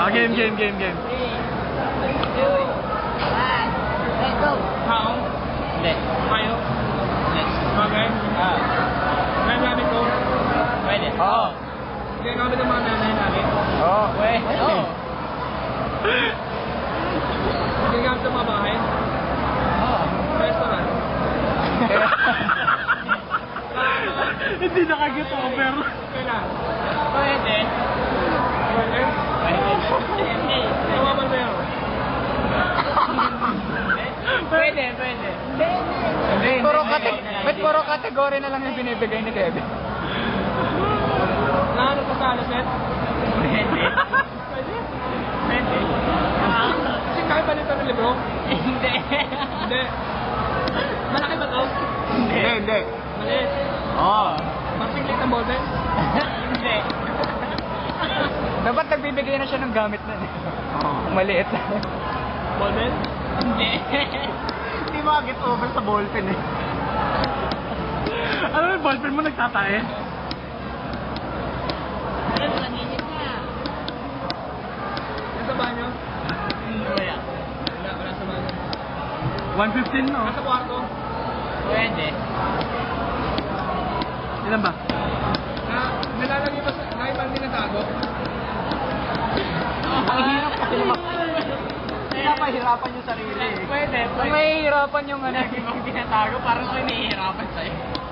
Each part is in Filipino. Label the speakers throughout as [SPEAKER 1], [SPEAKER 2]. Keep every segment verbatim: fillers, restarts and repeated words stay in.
[SPEAKER 1] Ah, game, game, game, game.
[SPEAKER 2] three, two, one, let's go.
[SPEAKER 3] Tao?
[SPEAKER 2] Hindi.
[SPEAKER 3] Kayo?
[SPEAKER 2] Hindi.
[SPEAKER 3] Okay.
[SPEAKER 2] Ah.
[SPEAKER 3] Kaya namin ko?
[SPEAKER 2] Pwede.
[SPEAKER 1] Oo.
[SPEAKER 3] Kaya namin ng mga nanay namin?
[SPEAKER 1] Oo.
[SPEAKER 2] Pwede. Oo.
[SPEAKER 3] Kaya namin sa mga bahay?
[SPEAKER 2] Oo.
[SPEAKER 3] Restaurant?
[SPEAKER 1] Hindi nakaget over.
[SPEAKER 3] Kailan?
[SPEAKER 2] Pwede.
[SPEAKER 3] Pwede?
[SPEAKER 2] Pwede. Hindi.
[SPEAKER 3] Tawaman sa'yo?
[SPEAKER 2] Pwede, pwede.
[SPEAKER 1] Hindi, puro kate- ba't puro kategory na lang yung binibigay ni Kevin?
[SPEAKER 3] Naano pa sa alaset?
[SPEAKER 2] Pwede.
[SPEAKER 3] Pwede?
[SPEAKER 2] Pwede.
[SPEAKER 3] Kasi kaya ba nito ng libro?
[SPEAKER 2] Hindi.
[SPEAKER 3] Hindi. Malaki ba to?
[SPEAKER 1] Hindi, hindi.
[SPEAKER 3] Maliit.
[SPEAKER 1] Oo.
[SPEAKER 3] Masinglit ang ballpen?
[SPEAKER 2] Hindi.
[SPEAKER 1] Dapat nagbibigay na siya ng gamit na. Oo. Maliit.
[SPEAKER 3] Ballpen?
[SPEAKER 2] Hindi.
[SPEAKER 1] Hindi makaget over sa ballpen eh. Ano yung ballpen mo nagtatae?
[SPEAKER 2] Ano ba nanginit na?
[SPEAKER 3] Nasa banyo?
[SPEAKER 2] Wala.
[SPEAKER 3] Wala, wala sa banyo.
[SPEAKER 1] one fifteen no?
[SPEAKER 3] Nasa kwarto?
[SPEAKER 2] Pwede.
[SPEAKER 1] Ilan ba?
[SPEAKER 3] Na, nilalagay ba sa, naibang din natago?
[SPEAKER 1] Ang hirap kasi naman. Pinapahirapan yung sarili eh.
[SPEAKER 2] Pwede,
[SPEAKER 1] Kung
[SPEAKER 2] pwede.
[SPEAKER 1] mahihirapan yung ano.
[SPEAKER 2] Lagi mong tinatago, parang ako nahihirapan sa'yo.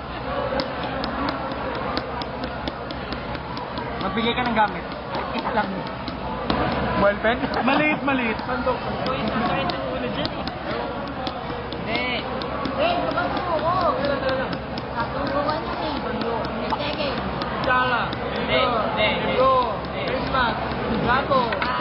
[SPEAKER 1] Magbigay ka ng gamit. Isa lang. Ballpen? Maliit, maliit. Sandok.
[SPEAKER 2] Uy, isang kahit ang ulo dyan eh. Hindi.
[SPEAKER 4] Eh, kapasuko.
[SPEAKER 3] Kailan talaga?
[SPEAKER 4] Katuruan yan eh. Hindi, sige.
[SPEAKER 3] Sala.
[SPEAKER 2] Hindi, hindi, hindi.
[SPEAKER 3] Libro.
[SPEAKER 2] Hindi.
[SPEAKER 3] Christmas. Gato.
[SPEAKER 2] Ah,